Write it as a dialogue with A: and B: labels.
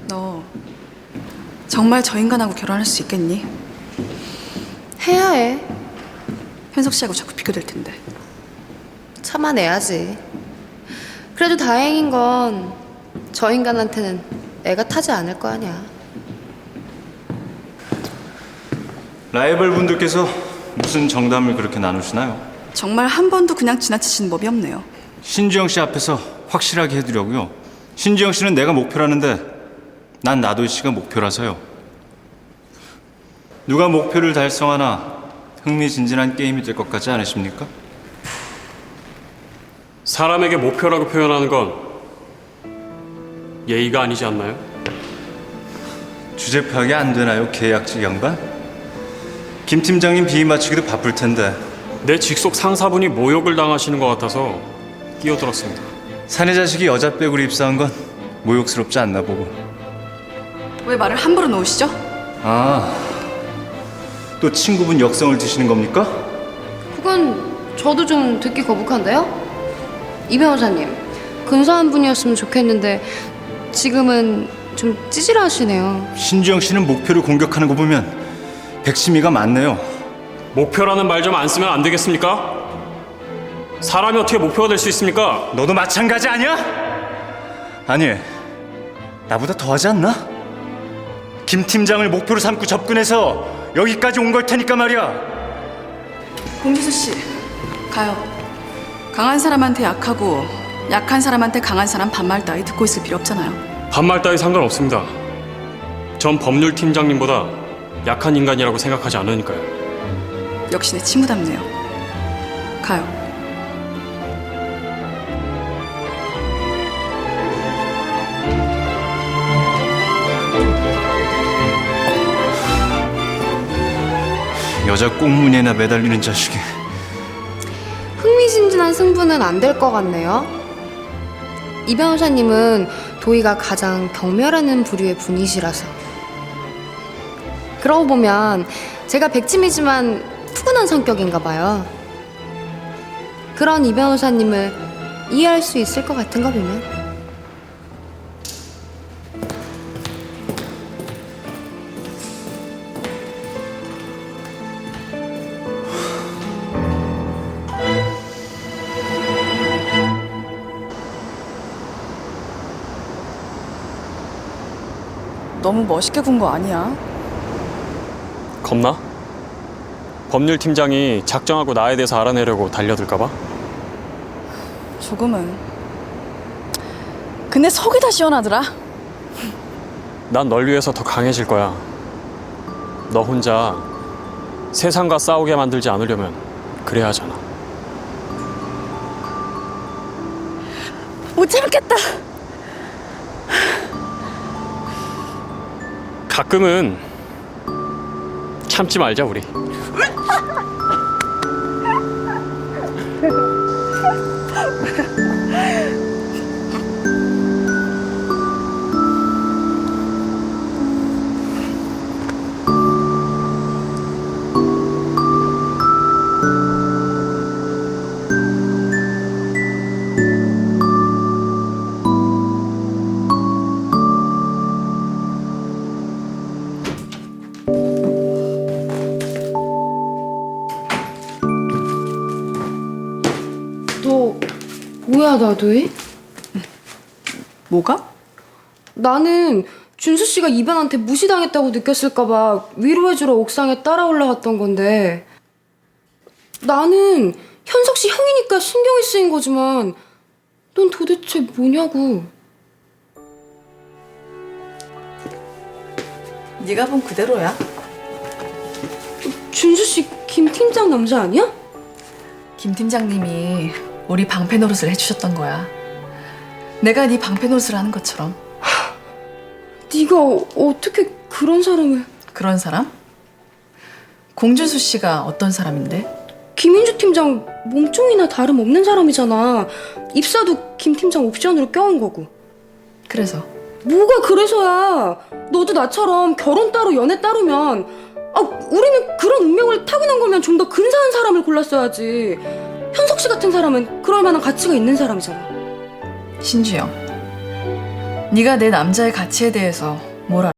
A: 너 정말 저 인간하고 결혼할 수 있겠니?
B: 해야 해.
A: 현석 씨하고 자꾸 비교될 텐데.
B: 참아내야지. 그래도 다행인 건 저 인간한테는 애가 타지 않을 거 아니야.
C: 라이벌 분들께서 무슨 정담을 그렇게 나누시나요?
A: 정말 한 번도 그냥 지나치시는 법이 없네요.
C: 신주영 씨 앞에서 확실하게 해드려고요. 신주영 씨는 내가 목표라는데 난 나도 씨가 목표라서요. 누가 목표를 달성하나 흥미진진한 게임이 될 것 같지 않으십니까?
D: 사람에게 목표라고 표현하는 건 예의가 아니지 않나요?
C: 주제 파악이 안 되나요, 계약직 양반? 김 팀장님 비위 맞추기도 바쁠 텐데.
D: 내 직속 상사분이 모욕을 당하시는 것 같아서 끼어들었습니다.
C: 사내 자식이 여자 빼구리 입사한 건 모욕스럽지 않나 보고.
A: 왜 말을 함부로 놓으시죠?
C: 아, 또 친구분 역성을 드시는 겁니까?
B: 그건 저도 좀 듣기 거북한데요? 이 변호사님, 근사한 분이었으면 좋겠는데 지금은 좀 찌질하시네요.
C: 신주영 씨는 목표를 공격하는 거 보면 백심이가 많네요.
D: 목표라는 말 좀 안 쓰면 안 되겠습니까? 사람이 어떻게 목표가 될 수 있습니까?
C: 너도 마찬가지 아니야? 아니, 나보다 더하지 않나? 김 팀장을 목표로 삼고 접근해서 여기까지 온 걸 테니까 말이야.
A: 공주수 씨, 가요. 강한 사람한테 약하고 약한 사람한테 강한 사람 반말 따위 듣고 있을 필요 없잖아요.
D: 반말 따위 상관없습니다. 전 법률 팀장님보다 약한 인간이라고 생각하지 않으니까요.
A: 역시 내 친구답네요. 가요.
C: 여자 꽁무니에나 매달리는 자식이.
B: 흥미진진한 승부는 안 될 것 같네요. 이 변호사님은 도희가 가장 경멸하는 부류의 분이시라서. 그러고 보면 제가 백치미지만 푸근한 성격인가 봐요. 그런 이 변호사님을 이해할 수 있을 것 같은 거 보면.
A: 너무 멋있게 군 거 아니야?
D: 겁나? 법률 팀장이 작정하고 나에 대해서 알아내려고 달려들까 봐?
A: 조금은. 근데 속이 다 시원하더라.
D: 난 널 위해서 더 강해질 거야. 너 혼자 세상과 싸우게 만들지 않으려면 그래야 하잖아.
A: 못 참겠다.
D: 가끔은 참지 말자 우리.
B: 너 뭐야, 나도희?
A: 뭐가?
B: 나는 준수 씨가 이반한테 무시당했다고 느꼈을까봐 위로해주러 옥상에 따라 올라갔던 건데, 나는 현석 씨 형이니까 신경이 쓰인 거지만 넌 도대체 뭐냐고.
A: 네가 본 그대로야.
B: 준수 씨 김 팀장 남자 아니야?
A: 김 팀장님이 우리 방패 노릇을 해주셨던 거야. 내가 네 방패 노릇을 하는 것처럼.
B: 네가 어떻게 그런 사람을...
A: 그런 사람? 공준수 씨가 어떤 사람인데?
B: 김인주 팀장 몸종이나 다름없는 사람이잖아. 입사도 김 팀장 옵션으로 껴온 거고.
A: 그래서?
B: 뭐가 그래서야. 너도 나처럼 결혼 따로 연애 따로면, 우리는 그런 운명을 타고난 거면 좀 더 근사한 사람을 골랐어야지. 현석 씨 같은 사람은 그럴 만한 가치가 있는 사람이잖아.
A: 신주영, 네가 내 남자의 가치에 대해서 뭘 알아?